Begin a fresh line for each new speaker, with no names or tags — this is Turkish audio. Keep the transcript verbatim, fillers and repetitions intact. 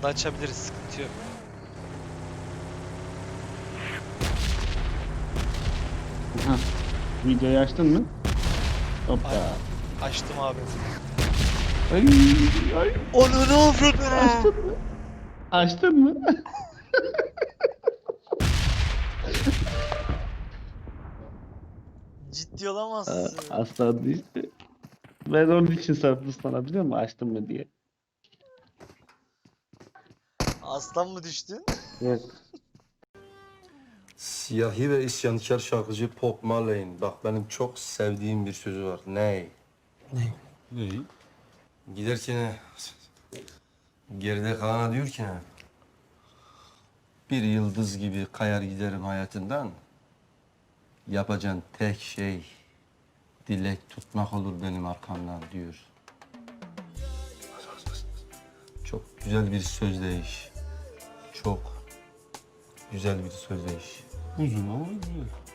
anda açabiliriz, sıkıntı yok.
Aha. Videoyu açtın mı? Hoppa.
Aynen. Açtım abi.
Ay, ay.
Onu ne avradın?
Açtın mı? Açtın mı?
Ciddi
Aa,
olamazsın.
aslan işte. Ben onun için sordum sana biliyor musun? Açtın mı diye.
Aslan mı düştün?
Yok.
Siyahi ve isyankar şarkıcı Bob Marley'in bak benim çok sevdiğim bir sözü var. Ney?
Neyi?
Giderken geride kalana diyor ki bir yıldız gibi kayar giderim hayatından. Yapacağın tek şey dilek tutmak olur benim arkamdan diyor. Çok güzel bir sözdeyiş. Çok güzel bir sözdeyiş.
Uzun ama güzel.